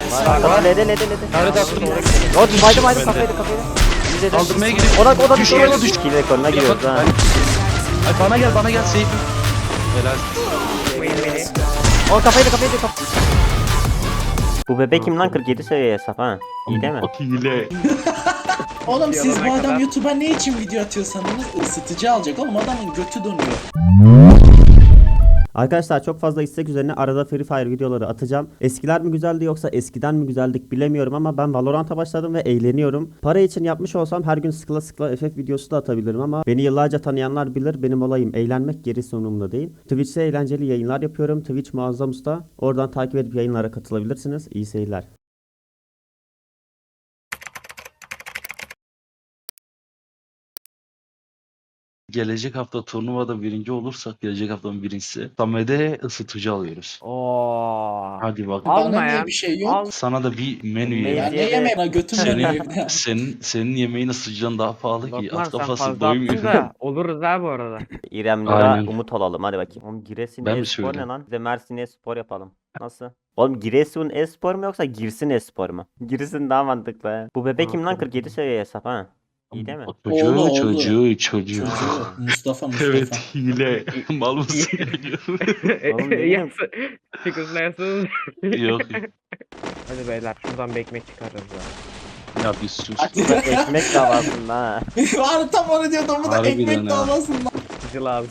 Var lede. Nerede attın? Yok baydım kafaydı. Kaldırmaya gidiyor. O da Düşüyor, düşüyor. düşüyor. Kill rekoruna giriyoruz ha. Ay bana gel safe'im. Helal. O kafaydı. Bu bebek kim lan 47 seviye hesap ha? İyi değil mi? Hile. Oğlum siz bu Yalana adam kadar. YouTube'a ne için video atıyorsanız ısıtıcı alacak oğlum adamın götü donuyor. Arkadaşlar çok fazla istek üzerine arada Free Fire videoları atacağım. Eskiler mi güzeldi yoksa eskiden mi güzeldik bilemiyorum ama ben Valorant'a başladım ve eğleniyorum. Para için yapmış olsam her gün sıkıla FF videosu da atabilirim ama beni yıllarca tanıyanlar bilir benim olayım eğlenmek, gerisi umurumda değil. Twitch'te eğlenceli yayınlar yapıyorum. Twitch Muazzam Usta. Oradan takip edip yayınlara katılabilirsiniz. İyi seyirler. Gelecek hafta turnuvada birinci olursak gelecek haftanın birincisi Samet'e ısıtıcı alıyoruz. Oo. Hadi bak. Alma Bana ya. niye bir şey yok? Al. Sana da bir menü Menü. ye. Ben ne yemeğim lan götüm donuyor Senin, evde. senin yemeğin ısıtıcıdan daha pahalı ki. Lokman At sen kafası fazla doymuyor. attın da oluruz ha bu arada. İrem Nur'a Aynen. umut olalım hadi bakayım. Oğlum Giresun Ben mi Espor ne söyleyeyim? lan? Bir de Mersin Espor yapalım. Nasıl? Oğlum Giresun Espor mu yoksa Girsin Espor mu? Girsin daha mantıklı ha. Bu bebek kim lan 47 seviye hesap ha? İyi değil mi? Oğlu. Çocuğu. Mustafa. Evet hile. Mal mısın? Oğlum ne bileyim. Çıkızlayasınız. Yok. Hadi beyler şuradan bir ekmek çıkarırız ya. Ya bir sus. Bak ekmek davasında ha. Var tam onu diyordum bu da Harbiden ekmek ha. davasında. Sıcı lazım.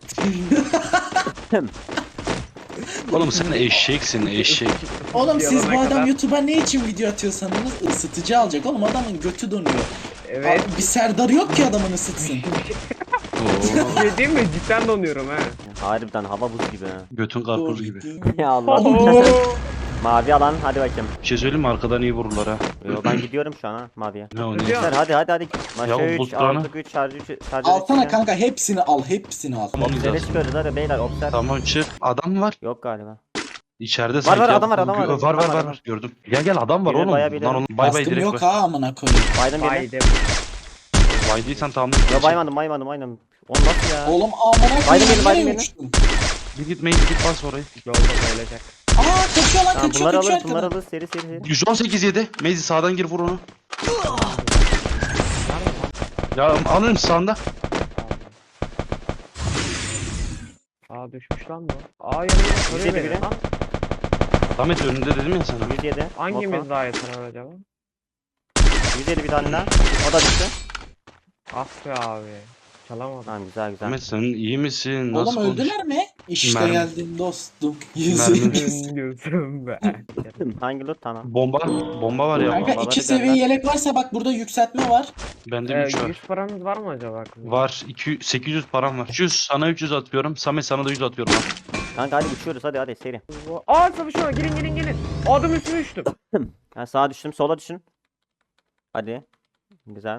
Oğlum sen eşeksin eşek. Oğlum siz bu Yalana adam kadar. YouTube'a ne için video atıyorsanız ısıtıcı alacak oğlum adamın götü donuyor. Evet. Abi, bir Serdar yok ki adamın ısıtsın. Oo. Şey diyeyim mi? Cidden donuyorum ha. Harbiden hava buz gibi ha. Götün karpuz gibi. Ya Allah. Oo. Mavi alan hadi bakayım. Bir şey söyleyeyim mi? Arkadan iyi vururlar ha. Ben gidiyorum şu an ha maviye. Ne o ne? Gidiyor. Hadi. Ya Maşa bu 3, bulutlarını- 6, 3, şarjı 3, şarjı Alsana kanka hepsini al. Tamam Seni güzel. çıkıyoruz hadi beyler obser. Tamam çık. Adam var. Yok galiba. İçeride sanki. var, ya. adam var, adam var. Var Adam var. var. Gördüm. Gel adam var Biri oğlum. bayağı bir Lan ileri. oğlum bay bay Baskım direkt yok bay. ha amına koyayım. Baydım birini. Haydi. Baydıysan tamam. Yo baymadım. Oğlum nasıl ya? Oğlum amına Baydım koyayım. beni, baydım nereye beni. uçtun? Bir git bas orayı. Yolda bayılacak. Aa kaçıyor lan Tamam, kaçıyor bunları kaçıyor alırız bunları arkadan. alırız seri. 118 yedi. Mezi sağdan gir vur onu. Ya alırım sağında. Aa düşmüş lan bu. Aa yanına soruyor Yedi beni biri. lan. Ahmet önünde dedim ya sana. 107. Hangimiz Moto. daha yeter acaba? 107 bir tane daha. O da düştü. Ah be abi. Çalamadım. Tamam güzel. Ahmet sen iyi misin? Oğlum Nasıl öldüler mi? İşte Mermi. geldim dostum. Mermi. Gözüm be. Hangi loot tamam. Bomba var ya. Kanka Bombaları 2 seviye gönder. yelek varsa bak burada yükseltme var. Bende 3 var. 100 paramız var mı acaba? Var. 800 param var. 300 sana 300 atıyorum. Samet sana da 100 atıyorum. Al. Kanka hadi uçuyoruz hadi seri. Aa savaşıyor gelin. Adım üstüne düştüm. Ha sağa düştüm sola düşün. Hadi. Güzel.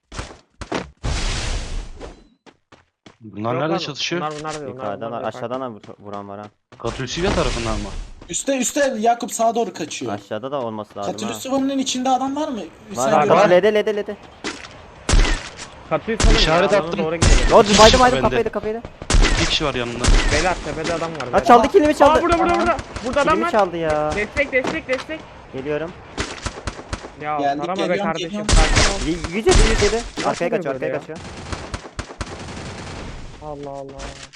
Bunlar Yok nerede lan, çalışıyor? Bunlar değil. Yukarıdan var aşağıdan da vuran var ha. Katülsivya tarafından mı? Üste Yakup sağa doğru kaçıyor. Aşağıda da olması lazım ha. Katülüsüvanın içinde adam var mı? Var Sen var gör. var lede. Katıyı salın İşaret ya, alana attım. Doğru gidelim. Yo baydım Bende. kafaydı. 2 kişi var yanında. Beyler tepede adam var. Ha beyler. çaldı kilimi çaldı. Aa burada. Burada adam Kilimi var. çaldı ya. Destek. Geliyorum. Ya Geldik, arama be geliyorum, kardeşim. geliyorum. Sakin ol. 107. Arkaya Nasıl kaçıyor böyle ya? Allah.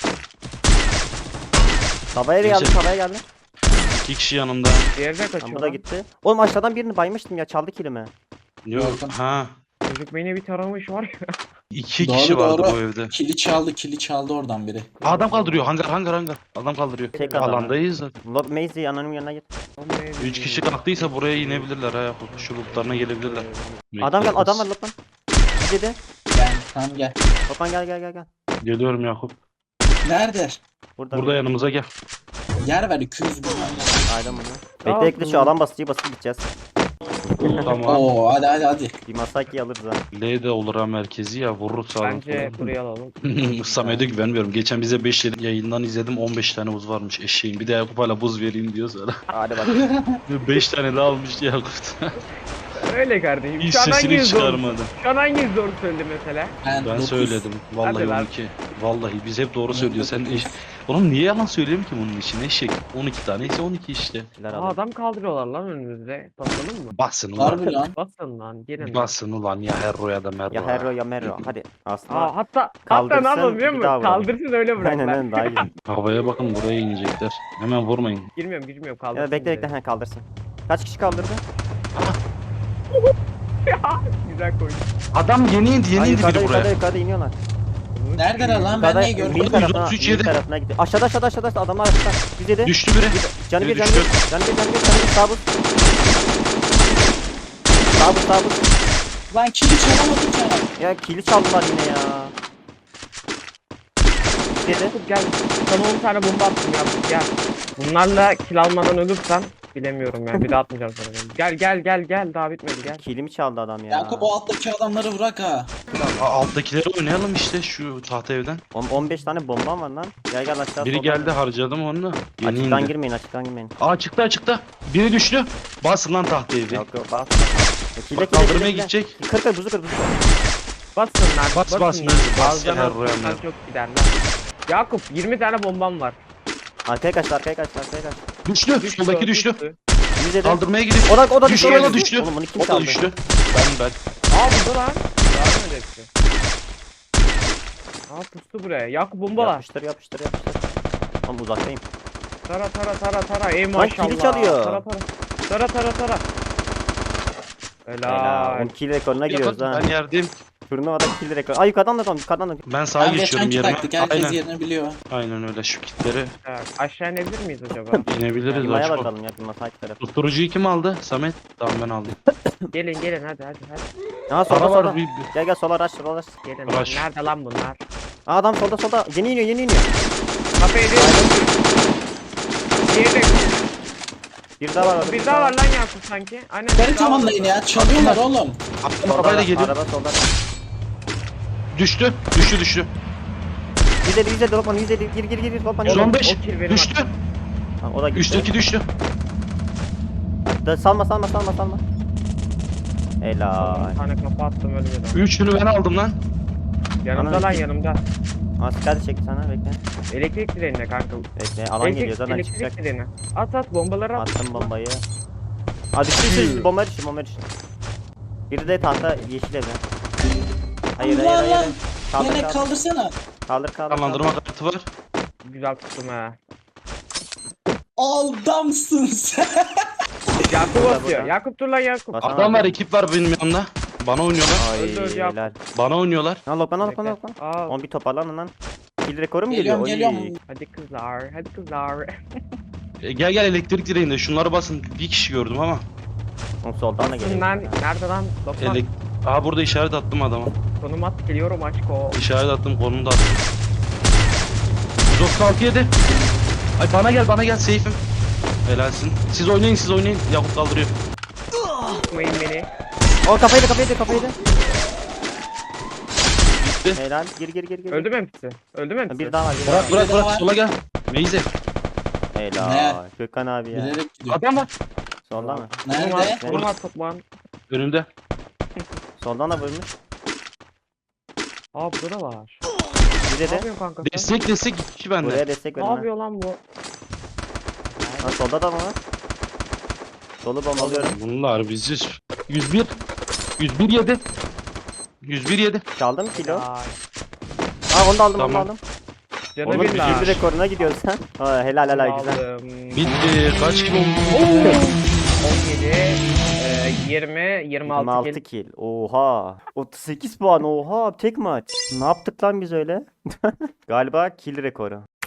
Tavaya geldi Neyse. tavaya geldi. 2 kişi yanımda. Diğeri de Tamam kaçıyor. bu da lan. gitti. Oğlum aşağıdan birini baymıştım ya çaldı kilimi. Yok. Yok. Ha. Çocuk beni bir taramış var ya. 2 Doğru, kişi vardı doğru. bu evde. Kili çaldı oradan biri. Adam kaldırıyor. Hangar. Adam kaldırıyor. Tek adam. Alandayız zaten. Lord Maisy anonim yanına git. 3 kişi kalktıysa buraya inebilirler ha. Şu lootlarına gelebilirler. Adam var Lokman. 107. Gel tamam gel. Lokman gel. Geliyorum Yakup. Nerede? Burada yanımıza gel. Yer ver 200 bin. Aynen bunu. Bekle şu alan basıcıyı basıp gideceğiz. Tamam. Oo hadi. Bir Masaki alırız ha. L de olur ha merkezi ya. Vurur sağdan. Bence buraya alalım. Samet'e güvenmiyorum. Geçen bize 5 yayından izledim. 15 tane buz varmış eşeğin. Bir de Yakup hala buz vereyim diyor sana. Hadi bak. 5 tane daha almıştı Yakup. Öyle kardeşim. Hiç Şu an sesini hanginiz doğru? çıkarmadı. Şu an hanginiz doğru söyledi mesela? Ben dokuz. söyledim. Vallahi Hadi lan. 12. Vallahi biz hep doğru söylüyor. Sen oğlum niye yalan söyleyeyim ki bunun için? Eşek. 12 tane ise 12 işte. Şeyler Aa, alayım. adam kaldırıyorlar lan önümüzde. Basalım mı? Basın ulan. Harbi lan. Basın lan gelin. Basın ulan ya Herro ya da Merro. Ya Herro ya Merro. Hadi aslında. Aa, hatta Kaldırsın, ne yapalım biliyor bir musun? daha vuralım. Kaldırsın öyle bırak Aynen lan. aynen daha iyi. Havaya bakın buraya inecekler. Hemen vurmayın. Girmiyorum kaldırsın. Ya bekle bekle bizi. he kaldırsın. Kaç kişi kaldırdı? Güzel koydum. Adam yeni indi Ay, yukarıda biri buraya. yukarıda iniyorlar. Neredeler lan? Ben Yukarıda niye görmedim? Mil tarafına, 133 Mil yedi. tarafına gidiyor. Aşağıda adamlar aşağıda. 107. Düştü biri. Canı Biri bir canı düştü. bir. Canı bir. Sağ buz. Sağ buz. Lan kili çalamadık ya. Ya kili çaldılar yine ya. 107. Yakup gel. Sana 10 tane bomba attım Yakup gel. Bunlarla kill almadan ölürsen bilemiyorum yani bir daha atmayacağım sana. Gel daha bitmedi gel. Kilimi çaldı adam ya. Yakup o alttaki adamları bırak ha. Alttakileri oynayalım işte şu tahta evden. 15 tane bombam var lan. Gel aşağı. Biri soldan. geldi harcadım onu. Yeni Açıktan indi. girmeyin. Aa çıktı. Biri düştü. Basın lan tahta evi. Yok bas. Kile Bak kaldırmaya gidecek. Kır buzu kır. Basın lan. Bas, basın bas, ya. bas, Bazılarına ya, Royan bassan ya. çok gider lan. Yakup 20 tane bombam var. Arkaya kaç. Düştü. Soldaki düştü. 107. Kaldırmaya gidiyor. O da Düştü, düştü. o da düştü. Oğlum bunu kim O da çaldı? düştü. Ben. Aa burada lan. Yardım hepsi. Aa pustu buraya. Yakup bomba var. Yapıştır. Oğlum uzaktayım. Tara. Ey Lan maşallah. kili çalıyor. Tara. Helal. Helal. Oğlum kill rekoruna giriyoruz ha. Ben yerdeyim. Turnuvada kill rekoru. Ay yukarıdan da. Ben sağa Ben geçiyorum geçenki yerime. taktik. Herkes Aynen. yerini biliyor. Aynen öyle şu kitleri Evet, aşağı inebilir miyiz acaba? inebiliriz. Yumaya Açko. bakalım ya. Yuma sağ tarafı. Susturucuyu kim aldı? Samet. Tamam ben aldım. gelin hadi. Aa Para solda. var. Gel sola rush. Gelin. Rush. Nerede lan bunlar? Aa adam solda. Yeni iniyor. Kafayı değil. Diğeri. Bir daha var orada. Bir daha var lan Yakup sanki. Aynen. Beni bir daha var tamamlayın orada. ya. Çalıyorlar oğlum. Attım arabayla geliyor. Araba solda. Düştü. 150 Lokman 150 gir Lokman. 115. O kill benim Düştü. hakkım. Ha, o da gitti. Üstteki düştü. Salma. Helal. Bir tane kafa attım ölmedi. Üçünü ben aldım lan. Yanımda Anam, lan iki- yanımda. Asker çekti sana bekle. Elektrik direğine kanka. Bekle alan geliyor zaten elektrik çıkacak. direğine. At bombaları at. Attım bombayı. Aa düştü bomba düştü. Biri de tahta yeşil evde. Hayır. Allah. Kaldır. Yine kaldırsana. Kaldır. Canlandırma kartı var. Güzel tuttum ha. Adamsın sen. Yakup Burada, atıyor. burada. Yakup dur lan Yakup. Basan Adam var, abi. ekip var benim yanımda. Bana oynuyorlar. Ay Öldür ya. helal. Bana oynuyorlar. Lan Lokman. Bekle. Aa, Oğlum bir toparlanın lan. Kill rekoru mu geliyor? Geliyorum. Oy. hadi kızlar. Gel elektrik direğinde şunları basın. Bir kişi gördüm ama. Oğlum soldan da geliyor. Lan nerede lan? Lokman. Aha burada işaret attım adama. Konum at geliyorum aşko. İşaret attım, konunu da attım. 136 yedi. Ay bana gel safe'im. Helalsin. Siz oynayın. Yakup kaldırıyor. Tutmayın beni. O kafayı da. Gitti. Helal. Gir. Öldü mü hepsi? Bir daha var. Bırak sola gel. Meyze. Helal. Gökhan abi ya. Bilerek gidiyor. Adam var. Soldan mı? Nerede? Konum at toplan. Önümde. Soldan da vurmuş. Aa burada da var. Bir Ne de yapıyorsun kanka sen? Destek iki kişi bende. buraya destek Ne verin ha. yapıyor lan bu? Ha solda da mı var? Solu bombalıyorum. Bunlar bizi 101 yedi. 101 yedi. Çaldım kilo. Ay. Aa onu da aldım. Tamam. Canı Oğlum bir lan. bir rekoruna gidiyorsun sen. Ha, helal güzel. Aldım. Bitti. Kaç gibi oldu? 17, 20, 26 26 kill. kill. Oha. 38 puan. Oha. Tek maç. Ne yaptık lan biz öyle? Galiba kill rekoru.